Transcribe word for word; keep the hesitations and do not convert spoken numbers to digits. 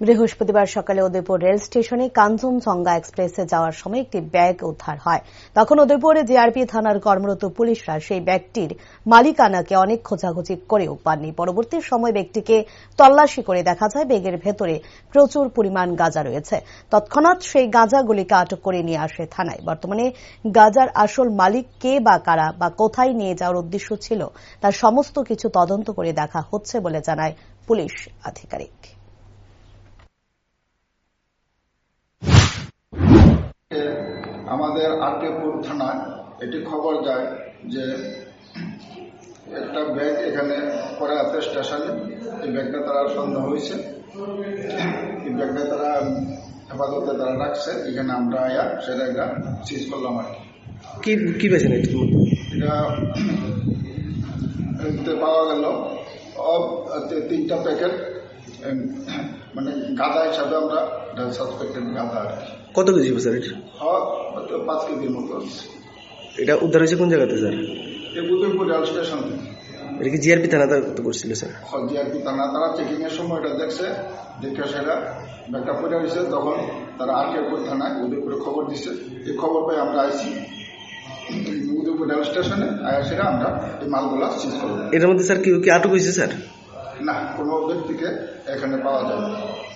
বৃহস্পতিবার সকালে উদয়পুর রেল স্টেশনে কাঞ্চনজঙ্ঘা এক্সপ্রেসে যাওয়ার সময় একটি ব্যাগ উদ্ধার হয়। তখন উদয়পুরে জিআরপি থানার কর্মরত পুলিশরা সেই ব্যাগটির মালিকানাকে অনেক খোঁজাখুঁজি করেও পাননি। পরবর্তী সময় ব্যাগটিকে তল্লাশি করে দেখা যায় ব্যাগের ভেতরে প্রচুর পরিমাণ গাঁজা রয়েছে। তৎক্ষণাৎ সেই গাঁজাগুলিকে আটক করে নিয়ে আসে থানায়। বর্তমানে গাঁজার আসল মালিক কে বা কারা বা কোথায় নিয়ে যাওয়ার উদ্দেশ্য ছিল তার সমস্ত কিছু তদন্ত করে দেখা হচ্ছে বলে জানায় পুলিশ আধিকারিক। আমাদের আরটিপুর থানায় এটি খবর যায় যে একটা ব্যাগ এখানে পড়ে আছে স্টেশনে। এই ব্যাগটা তারা সন্দেহ হয়েছে, এই ব্যাগটা তারা হেফাজতে তারা রাখছে। এখানে আমরা আয়া সেটা একটা সিজ করলাম আর কি কি পেয়েছেন এটা পাওয়া গেল তিনটা প্যাকেট, মানে গাঁদা হিসাবে আমরা সাসপেক্টেড গাঁদা আর কি। কত কেজি স্যার এটা? পাঁচ কেজির মতো। এটা উদ্ধার হয়েছে কোন জায়গাতে স্যার? এই উদয়পুর রেল স্টেশন থেকে। এটা কি জিআরপি থানা তো করছিল স্যার? জিআরপি থানা তারা চেকিং এর সময় এটা দেখছে, দেখে সেটা ব্যাগটা পড়ে দিয়েছে। তখন তারা আরটিপুর থানায় উদয়পুরে খবর দিচ্ছে। এই খবর পেয়ে আমরা আইছি উদয়পুর রেল স্টেশনে, আয়া সেটা আমরা এই মালগুলা সিজ করবো। এর মধ্যে স্যার কেউ কি আটক হয়েছে স্যার? না, কোনো ব্যক্তিকে এখানে পাওয়া যায় না।